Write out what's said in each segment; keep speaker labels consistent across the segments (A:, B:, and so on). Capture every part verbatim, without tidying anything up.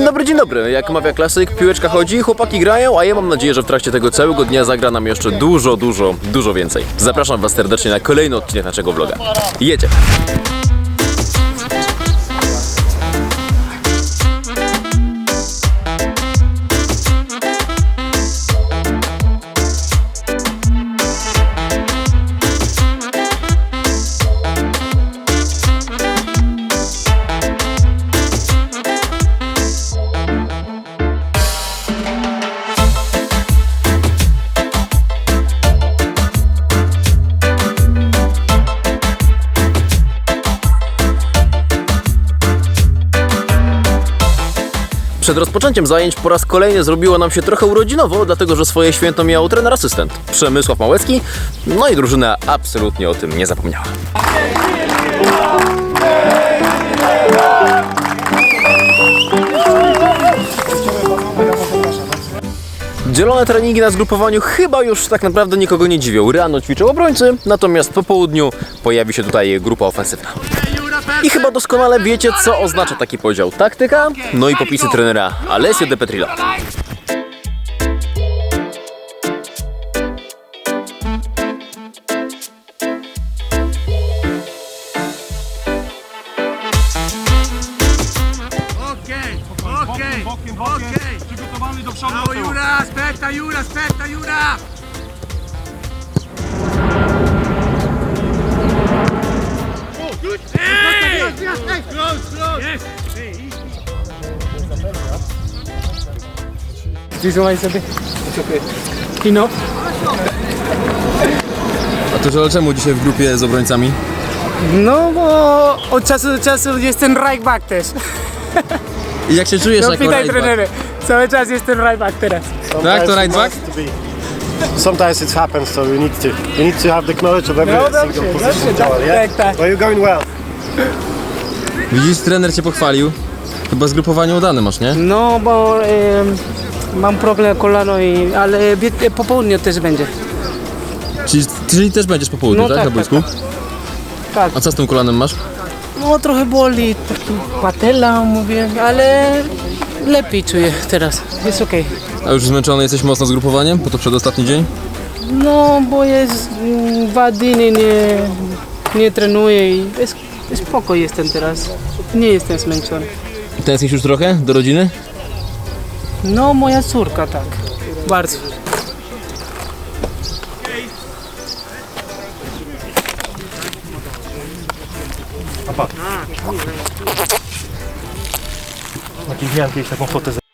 A: dobry, dzień dobry. Jak mawia klasyk, piłeczka chodzi, chłopaki grają, a ja mam nadzieję, że w trakcie tego całego dnia zagra nam jeszcze dużo, dużo, dużo więcej. Zapraszam was serdecznie na kolejny odcinek naszego vloga. Jedzie! Przed rozpoczęciem zajęć po raz kolejny zrobiło nam się trochę urodzinowo, dlatego że swoje święto miał trener asystent Przemysław Małecki, no i drużyna absolutnie o tym nie zapomniała. Dzielone treningi na zgrupowaniu chyba już tak naprawdę nikogo nie dziwią. Rano ćwiczą obrońcy, natomiast po południu pojawi się tutaj grupa ofensywna. I chyba doskonale wiecie, co oznacza taki podział. Taktyka, no i popisy trenera Alessio De Petrilla.
B: Okej, okej, okej. Przygotowany do przodu. No Jura, aspetta Jura, aspetta Jura. Hey! Close, close. Yes.
C: Visualize sobie. Kino.
A: A to że czemu dzisiaj w grupie z obrońcami?
C: No bo od czasu do czasu jestem right back też.
A: I jak się czujesz
C: No
A: jako
C: pytaj
A: right back?
C: trenery. Cały czas jestem right back teraz.
A: Tak, to right back?
D: Sometimes it happens, so you need to you need to have the knowledge of every
C: No
D: single
C: dobrze,
D: position.
C: dobrze, tak,
D: Joel, yeah?
C: tak, tak.
D: Well, you're going well.
A: Widzisz, trener cię pochwalił. Chyba zgrupowanie udane masz, nie?
C: No bo e, mam problem kolano, i, ale wie- po południu też będzie.
A: Czyli, czyli też będziesz po południu,
C: No
A: tak?
C: tak,
A: Na boisku?
C: tak, Tak,
A: A co z tym kolanem masz?
C: no trochę boli, taki patela mówię, ale lepiej czuję teraz, jest okej.
A: A już zmęczony jesteś mocno zgrupowaniem? Bo to przedostatni dzień?
C: No bo jest mm, dwa dni nie, nie trenuję i jest, spoko jestem teraz, nie jestem zmęczony.
A: Tęsknisz już trochę do rodziny?
C: No moja córka tak, bardzo.
D: Taki miałem kiedyś taką fotę. z-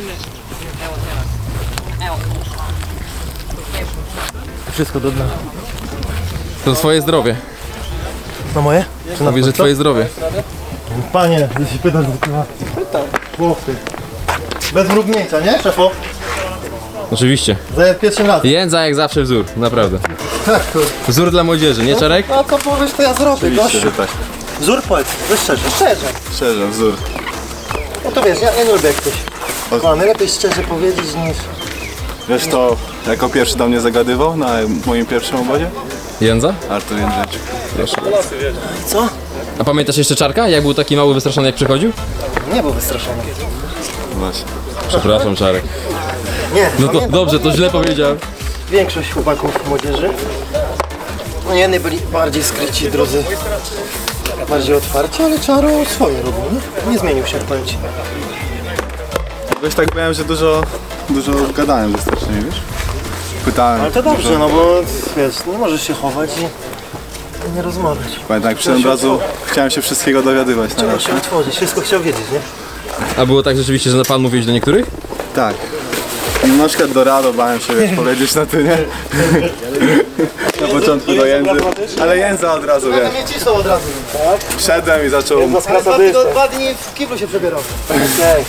D: Wszystko do dna.
A: To twoje zdrowie.
D: Na moje? Czy na
A: Mówię, że twoje zdrowie.
D: Panie, jeśli pytasz, to chyba... Pytam. Chłopcy. Bez mrugnięcia, nie, szefo?
A: Oczywiście.
D: Za pierwszym razem.
A: Jędza jak zawsze wzór, naprawdę.
D: Tak, kurde.
A: Wzór dla młodzieży, nie Czarek?
D: No to powiesz, to ja zrobię, gościu.
E: tak.
D: Wzór powiedz, weź szczerze, szczerze.
E: Szczerze, wzór.
D: No to wiesz, ja, ja nie lubię jak ktoś... No, najlepiej szczerze powiedzieć niż...
E: Wiesz to, jako pierwszy do mnie zagadywał na moim pierwszym obozie?
A: Jędza?
E: Artur Jędrzejczyk. Proszę.
D: Co?
A: A pamiętasz jeszcze Czarka? Jak był taki mały, wystraszony, jak przychodził?
D: Nie był wystraszony.
E: Właśnie.
A: Przepraszam, Czarek.
D: Nie,
A: No to
D: pamiętam.
A: dobrze, to źle powiedziałem.
D: Większość chłopaków młodzieży. No jedni byli bardziej skryci, drudzy bardziej otwarci, ale Czaro swoje robił, nie? Nie zmienił się, powiem ci.
E: Wiesz, tak byłem, że dużo, dużo gadałem ze starszymi, wiesz? Pytałem.
D: Ale to dobrze,
E: dużo.
D: no bo wiesz, nie możesz się chować i nie rozmawiać.
E: Pamiętam, jak przyszedłem od razu, chciałem się wszystkiego dowiadywać na
D: Trzeba
E: raz.
D: się otworzyć, wszystko chciał wiedzieć, nie?
A: A było tak rzeczywiście, że pan mówiłeś do niektórych?
E: Tak. Na przykład do Rado bałem się, wiesz, powiedzieć na ty, nie? Na początku do Jędzy. Ale Jędza od razu, wiesz.
D: Nie cisnął od razu. Tak?
E: Wszedłem i zaczął...
D: Dwa, dwa dni w kiblu się przebierał. Okej.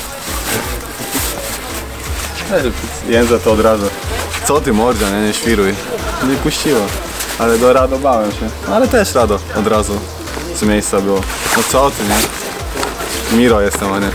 E: Jędza to od razu. Co ty mordzia, nie, nie świruj. Nie puściło. Ale do Rado bałem się. Ale też Rado od razu z miejsca było. No co ty, nie? Miro jestem, a nie.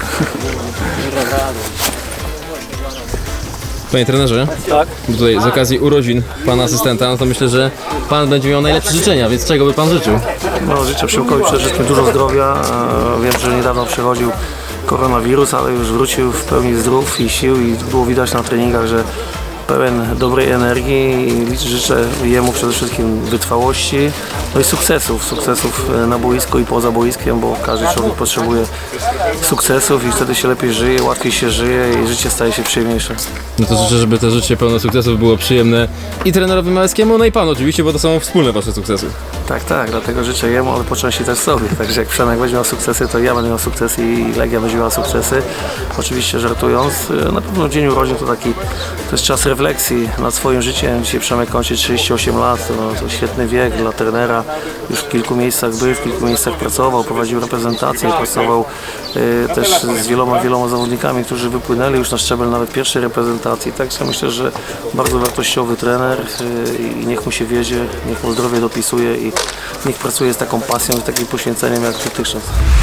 A: Panie trenerze, tak? Tutaj z okazji urodzin pana asystenta, no to myślę, że pan będzie miał najlepsze życzenia, więc czego by pan życzył?
F: No, życzę Przemkowi przede wszystkim dużo zdrowia. E, Wiem, że niedawno przechodził koronawirus, ale już wrócił w pełni zdrów i sił i było widać na treningach, że pełen dobrej energii i życzę jemu przede wszystkim wytrwałości, no i sukcesów, sukcesów na boisku i poza boiskiem, bo każdy człowiek potrzebuje sukcesów i wtedy się lepiej żyje, łatwiej się żyje i życie staje się przyjemniejsze.
A: No to życzę, żeby to życie pełne sukcesów było przyjemne i trenerowi Małeckiemu, no i panu oczywiście, bo to są wspólne wasze sukcesy.
F: Tak, tak, dlatego życzę jemu, ale po części też sobie. Także jak Przemek będzie miał sukcesy, to ja będę miał sukcesy i Legia będzie miała sukcesy. Oczywiście żartując, na pewno dzień urodzin to taki, to jest czas refleksji nad swoim życiem. Dzisiaj Przemek kończy trzydzieści osiem lat, no, to świetny wiek dla trenera. Już w kilku miejscach był, w kilku miejscach pracował, prowadził reprezentację, pracował y, też z wieloma, wieloma zawodnikami, którzy wypłynęli już na szczebel nawet pierwszej reprezentacji. Także myślę, że bardzo wartościowy trener y, i niech mu się wiedzie, niech mu zdrowie dopisuje i niech pracuje z taką pasją i takim poświęceniem jak dotychczas.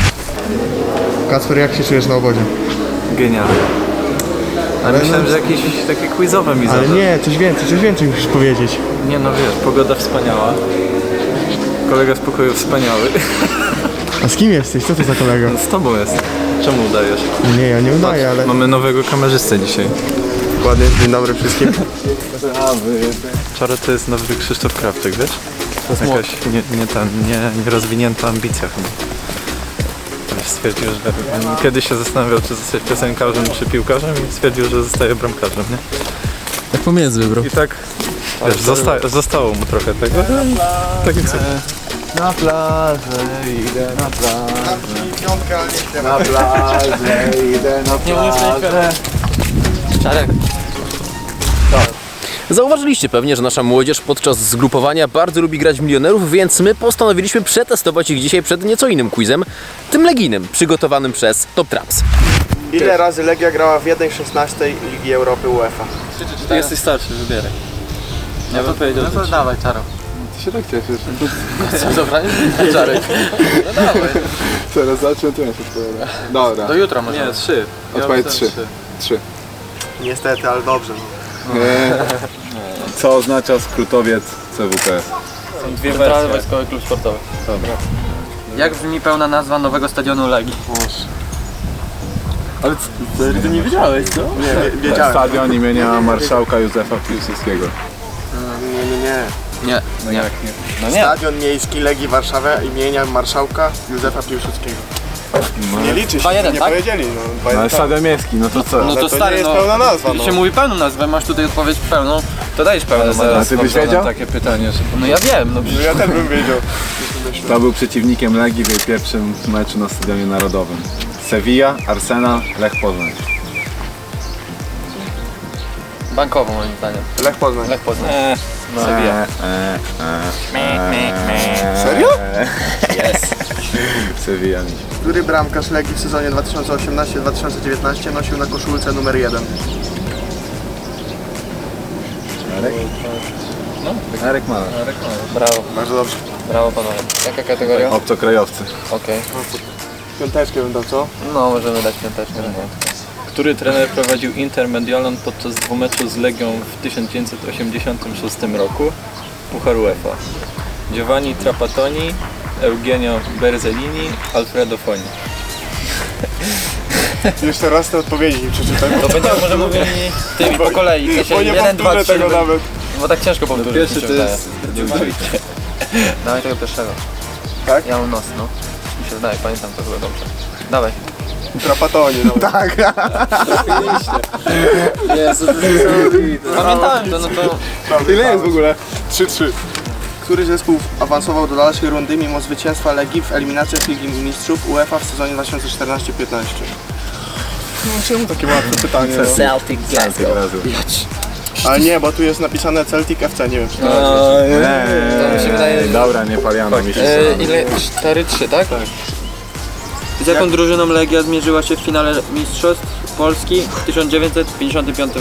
D: Kacper, jak się czujesz na obozie?
E: Genialnie. Ale myślałem, że jakieś takie quizowe mi
D: Ale
E: zadał.
D: nie, coś więcej, coś więcej musisz powiedzieć.
E: Nie no wiesz, pogoda wspaniała. Kolega z pokoju wspaniały.
D: A z kim jesteś? Co to za kolega?
E: Z tobą jest. Czemu udajesz?
D: Nie, ja nie udaję, ale...
E: Mamy nowego kamerzystę dzisiaj.
D: Ładnie, dzień dobry wszystkim.
E: Czaro to jest nowy Krzysztof Krawczyk, wiesz? Jakaś nie, nie, ta, nie, nierozwinięta ambicja chyba. Stwierdził, że kiedyś się zastanawiał, czy zostać piosenkarzem, czy piłkarzem i stwierdził, że zostaje bramkarzem, nie?
A: Tak pomiędzy, bro.
E: I tak, wiesz, zosta zostało mu trochę tego. Tak jak sobie.
D: Na plażę idę, na plażę. Piątka, nie Na plażę idę, na plażę.
C: Czarek.
A: Zauważyliście pewnie, że nasza młodzież podczas zgrupowania bardzo lubi grać w milionerów, więc my postanowiliśmy przetestować ich dzisiaj przed nieco innym quizem, tym legijnym, przygotowanym przez Top Traps.
G: Ile razy Legia grała w jeden szesnastej Ligi Europy UEFA?
E: Ty jesteś starszy, wybieraj. Ja bym powiedział,
C: No to dawaj, Czaro.
E: ty się tak cieszysz.
C: Dobra, nie? Czarek. No dawaj.
E: Teraz zacznę, to ja się odpowiadam. Dobra.
C: Do jutra może.
E: Nie, trzy.
G: Odpowiedź
E: trzy. Trzy.
G: Niestety, ale dobrze.
E: Co oznacza skrótowiec C W P S?
C: Są dwie wersje. Wojskowy Klub Sportowy.
E: Dobra.
C: Jak brzmi pełna nazwa nowego stadionu Legii?
E: Ale ty nie wiedziałeś, co?
G: Nie, wiedziałem.
E: Stadion imienia marszałka Józefa Piłsudskiego.
G: Nie, nie, nie.
C: Nie.
E: No jak nie? No
G: Stadion Miejski Legii Warszawa imienia marszałka Józefa Piłsudskiego. Nie liczy się,
C: dwa jeden,
G: nie
C: tak?
G: powiedzieli. No, dwa
E: No
G: jeden,
E: ale
G: tak.
E: Stadion Miejski, no to co?
C: No to
G: to
C: stary,
G: nie jest
C: no.
G: pełna nazwa,
C: Jeśli
G: no.
C: się mówi pełną nazwę, masz tutaj odpowiedź pełną, to dajesz pełną
E: A
C: nazwę.
E: ty byś wiedział?
H: Takie pytanie, że
C: No ja wiem, no
G: No ja też bym wiedział.
E: To był przeciwnikiem Legii w jej pierwszym meczu na Stadionie Narodowym. Sevilla, Arsenal, Lech Poznań.
C: bankowo moim zdaniem.
G: Lech Poznań.
C: Lech Poznań.
E: Eee,
C: Sevilla.
E: eee, eee,
G: Serio?
E: Jest. Sevilla.
G: Który bramkarz Legii w sezonie dwa tysiące osiemnastym dwa tysiące dziewiętnastym nosił na koszulce numer jeden?
E: Arek? No, Arek Maler.
C: Brawo,
G: Bardzo dobrze.
C: brawo panowie. Jaka kategoria?
E: Obcokrajowcy.
C: Okej.
G: Piąteczkę bym dał, co?
C: No możemy dać piąteczkę.
H: który trener prowadził Inter Mediolan podczas dwumeczu z Legią w tysiąc dziewięćset osiemdziesiątym szóstym roku? Puchar UEFA. Giovanni Trapattoni, Eugenio Berzellini, Alfredo Foni.
G: Jeszcze raz te odpowiedzi nie przeczytam.
C: To będziemy może mówili tymi po kolei. W sensie
G: Bo nie
C: jeden, dwa,
G: powtórzę
C: trzy.
G: tego nawet.
C: Bo tak ciężko powtórzyć.
H: Pierwszy
C: mi się
H: to
C: wydaje.
H: jest Dziękuję.
C: Dawaj tego pierwszego.
G: Tak?
C: Ja mam nos, no. Mi się wydaje, pamiętam to chyba dobrze. Dawaj.
G: Trapatoni, no. Tak.
C: Jezu, to jest pamiętałem to, no to...
G: Ile jest w ogóle? trzy trzy. Który zespół awansował do dalszej rundy mimo zwycięstwa Legii w eliminacjach Ligi Mistrzów UEFA w sezonie dwa tysiące czternastym piętnastym? No czemu takie łatwe pytanie? No?
A: Celtic Glasgow.
G: Ale nie, bo tu jest napisane Celtic F C, nie wiem czy to
C: To mi się wydaje...
E: Dobra, nie paliano mi się.
C: E, ile? cztery trzy, tak? Tak. Z jaką drużyną Legia zmierzyła się w finale Mistrzostw Polski w tysiąc dziewięćset pięćdziesiątym piątym?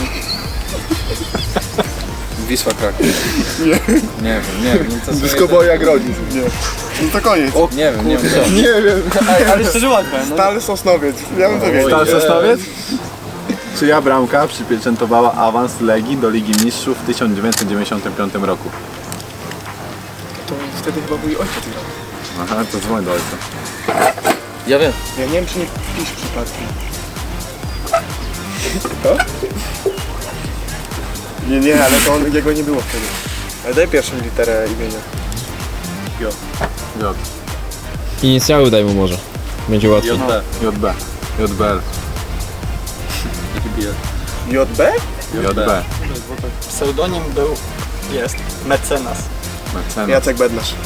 H: Wisła Kraków. Nie. Nie wiem, nie wiem. No to
G: Blisko było jak rodzic. Nie. No to koniec.
H: O, nie wiem, nie wiem. co.
G: Nie wiem.
C: Ale szczerze łatwe, no.
G: Stal Sosnowiec. Ja bym to wiedział.
E: Stal Sosnowiec? Czyja bramka przypieczętowała awans Legii do Ligi Mistrzów w tysiąc dziewięćset dziewięćdziesiątym piątym roku?
G: To wtedy chyba mój ojciec grał.
E: Aha, to dzwoń do ojca.
H: Ja wiem.
G: Ja nie wiem, czy nie pisz przypadkiem. To? Nie, nie, ale to on, jego nie było wtedy. Ale daj pierwszą literę imienia.
E: J.
A: Inicjały daj mu może. Będzie łatwiej.
H: J B.
E: J B. J B L.
G: J B?
E: J B.
I: Pseudonim był, jest, mecenas.
E: Mecenas.
G: Jacek Bednarz.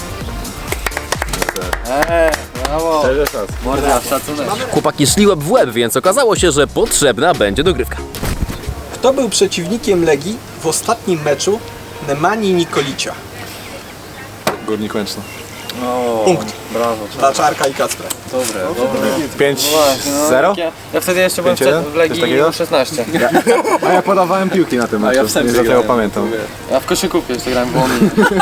E: Szczerze czas.
H: Morda, szacunek.
A: Chłopaki szli łeb w łeb, więc okazało się, że potrzebna będzie dogrywka.
I: Kto był przeciwnikiem Legii w ostatnim meczu Nemani Nikolicia?
E: Górnik Łęczna.
I: Punkt. Brawo. Dla Czarka i Kacpra.
H: Dobre, dobre.
E: pięć zero?
H: Ja wtedy jeszcze byłem
E: pięć jeden?
H: w Legii
E: Coś takiego?
H: szesnaście.
E: A ja podawałem piłki na tym
H: A ja
E: meczu,
H: w Sępie
E: nie za tego
H: grałem.
E: pamiętam.
H: Ja w koszykówkę jeszcze grałem w Łomży.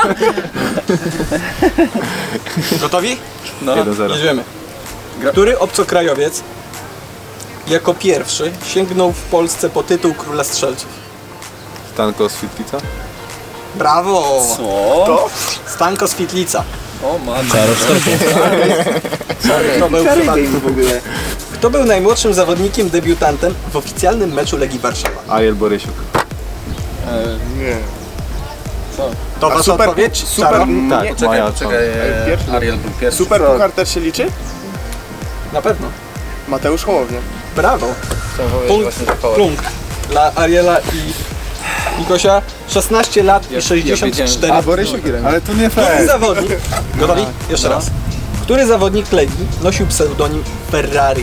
I: Gotowi?
H: No.
E: jeden zero.
I: Jedziemy. Który obcokrajowiec jako pierwszy sięgnął w Polsce po tytuł Króla Strzelców?
E: Stanko z Fitlica?
I: Brawo!
H: Co?
I: Stanko z Fitlica.
H: O matko.
I: Kto był, Kto był najmłodszym zawodnikiem debiutantem w oficjalnym meczu Legii Warszawa?
E: Ariel Borysiuk.
G: Nie.
I: To wasza
G: super-
I: odpowiedź?
G: super-
I: Czaro?
E: Tak,
H: Czekaj,
E: moja
H: czekaj. e,
G: Pierwszy.
H: Ariel był pierwszy.
G: Super Puchar też się liczy?
I: Na pewno.
G: Mateusz Hołownia.
I: Brawo.
H: Chciałem powiedzieć
I: Punkt,
H: właśnie, że Kołak.
I: punkt dla Ariela i Nikosia. szesnaście lat i sześćdziesiąt cztery.
G: A Borysiuk ile?
E: Ale to nie
I: Który
E: fair.
I: zawodnik, gotowi? Jeszcze raz. Który zawodnik Legii nosił pseudonim Ferrari?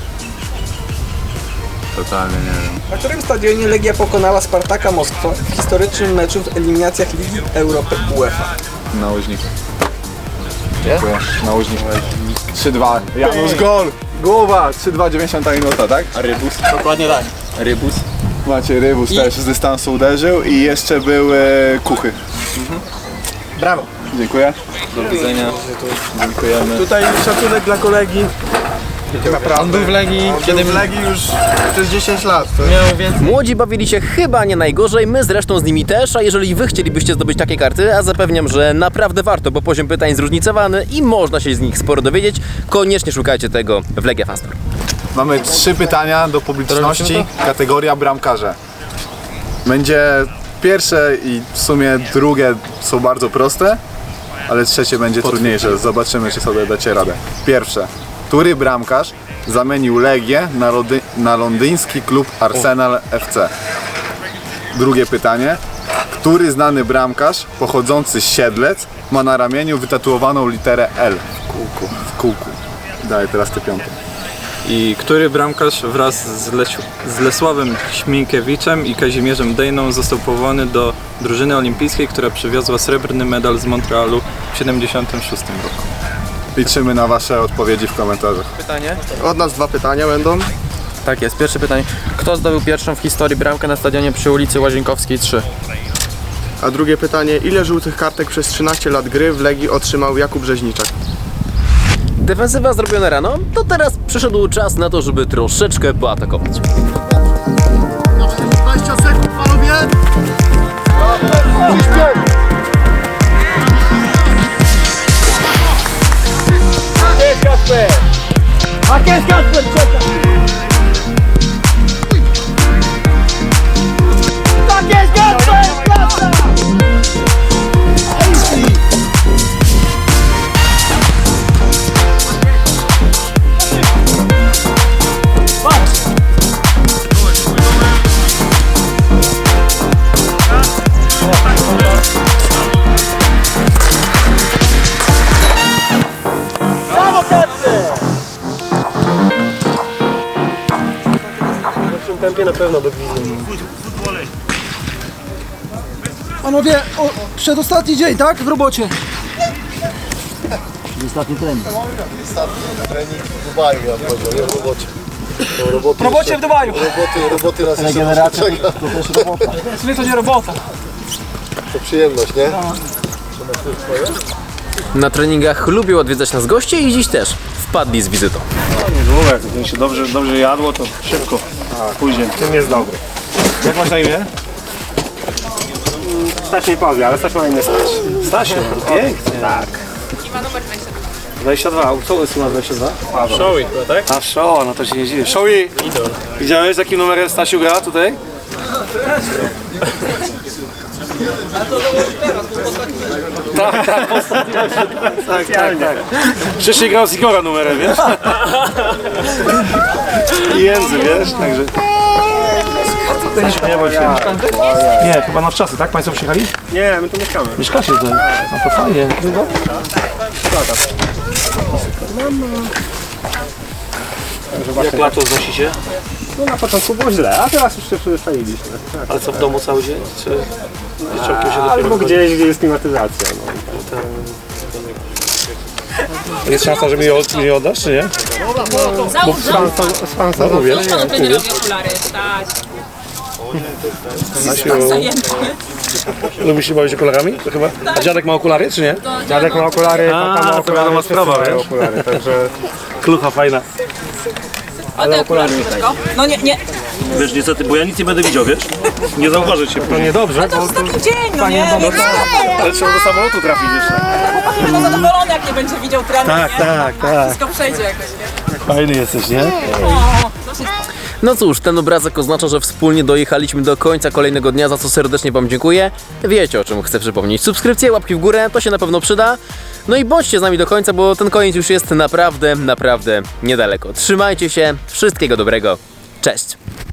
E: Totalnie nie wiem.
I: Na którym stadionie Legia pokonała Spartaka Moskwa w historycznym meczu w eliminacjach Ligi Europy UEFA?
E: Na Łoźniku. Dziękuję. Na Łoźniku. trzy dwa. Janusz gol! Głowa! trzy dwa, dziewięćdziesiąta minuta, tak?
H: A Rybus?
I: Dokładnie tak.
H: Rybus?
E: Macie Rybus
I: I-
E: też z dystansu uderzył i jeszcze był e, Kuchy.
I: Brawo.
E: Dziękuję.
H: Do widzenia. Dziękujemy.
G: Tutaj szacunek dla kolegi. Naprawdę.
H: On był w Legii,
G: Kiedy w Legii już przez dziesięć lat. To
H: miał więcej.
A: Młodzi bawili się chyba nie najgorzej, my zresztą z nimi też, a jeżeli wy chcielibyście zdobyć takie karty, a zapewniam, że naprawdę warto, bo poziom pytań zróżnicowany i można się z nich sporo dowiedzieć, koniecznie szukajcie tego w Legia Fanstor.
E: Mamy trzy pytania do publiczności, kategoria bramkarze. Będzie pierwsze i w sumie drugie są bardzo proste, ale trzecie będzie trudniejsze. Zobaczymy, czy sobie dacie radę. Pierwsze. Który bramkarz zamienił Legię na, lody, na londyński klub Arsenal F C? Drugie pytanie. Który znany bramkarz pochodzący z Siedlec ma na ramieniu wytatuowaną literę L w kółku? W kółku. Daję teraz ty piąty.
J: I który bramkarz wraz z, Lesiu, z Lesławem Śminkiewiczem i Kazimierzem Dejną został powołany do drużyny olimpijskiej, która przywiozła srebrny medal z Montrealu w siedemdziesiątym szóstym roku?
E: Liczymy na wasze odpowiedzi w komentarzach.
H: Pytanie?
G: od nas dwa pytania będą.
H: Tak jest, pierwsze pytanie. Kto zdobył pierwszą w historii bramkę na stadionie przy ulicy Łazienkowskiej trzy?
G: A drugie pytanie, ile żółtych kartek przez trzynaście lat gry w Legii otrzymał Jakub Rzeźniczak?
A: Defensywa zrobiona rano, to teraz przyszedł czas na to, żeby troszeczkę poatakować.
D: dwadzieścia sekund, panowie!
K: Panowie, o, przedostatni dzień, tak? W robocie.
D: Ostatni trening w Dubaju, ja powiedział, nie w robocie. To roboty
K: W robocie w Dubaju.
D: Roboty, roboty nas regeneracja to, to też robota.
K: W sumie to nie robota.
D: To przyjemność, nie?
A: Na treningach lubią odwiedzać nas goście i dziś też wpadli z wizytą.
L: Długo, jak się dobrze, dobrze jadło, to szybko pójdzie. Tym jest dobry. Jak masz na imię? Staś nie powie, ale Staś ma na imię Staś. Stasiu, pięknie. Tak.
F: dwadzieścia dwa, co jest numer dwadzieścia dwa?
L: A, Showy, tak?
F: A show, no to się nie dziwię. Showy! Widziałeś, z jakim numerem Stasiu gra tutaj? Tak, tak, ostatnio. Tak, tak, tak. Wcześniej grał z Igora numerem, wiesz? I Jędzy, wiesz, także... Nie bądź się. Nie, chyba na wczasy, tak? Państwo przyjechali?
L: Nie, my tu mieszkamy.
F: Mieszkacie tutaj? No to fajnie. Długo? Jak lato znosicie?
L: No na początku było źle, a teraz już się przyzwyczailiśmy. Tak.
F: Ale co, w domu cały dzień? Czy wieczorkiem się
L: Albo
F: dopiero
L: gdzieś, gdzie jest klimatyzacja. No.
F: Jest szansa, że mi nie oddasz, czy nie?
L: Bo z fansą, z fansą
F: No, mówię.
L: nie, nie, nie.
F: Stasiu, lubisz się bawić okularami? To chyba. A dziadek ma okulary, czy nie?
L: Dziadek ma okulary,
F: A,
L: tata ma
F: to
L: okulary,
F: wiadoma
L: wszyscy
F: sprawa,
L: mają
F: wiesz?
L: okulary, także...
F: Klucha fajna.
L: Ale okulary nie fajne.
M: No nie, nie.
F: Wiesz, niestety, bo ja nic nie będę widział, wiesz? Nie zauważę cię.
L: To niedobrze,
M: To jest taki dzień, no nie?
L: no
M: nie
F: Ale trzeba do samolotu trafić jeszcze.
M: Chłopaki będą zadowolone, jak nie będzie widział trener,
F: Tak,
M: nie?
F: tak, tak.
M: Wszystko przejdzie jakoś, nie?
F: Fajny jesteś, nie?
M: O, zawsze...
A: No cóż, ten obrazek oznacza, że wspólnie dojechaliśmy do końca kolejnego dnia, za co serdecznie Wam dziękuję. Wiecie, o czym chcę przypomnieć. Subskrypcje, łapki w górę, to się na pewno przyda. No i bądźcie z nami do końca, bo ten koniec już jest naprawdę, naprawdę niedaleko. Trzymajcie się, wszystkiego dobrego, cześć!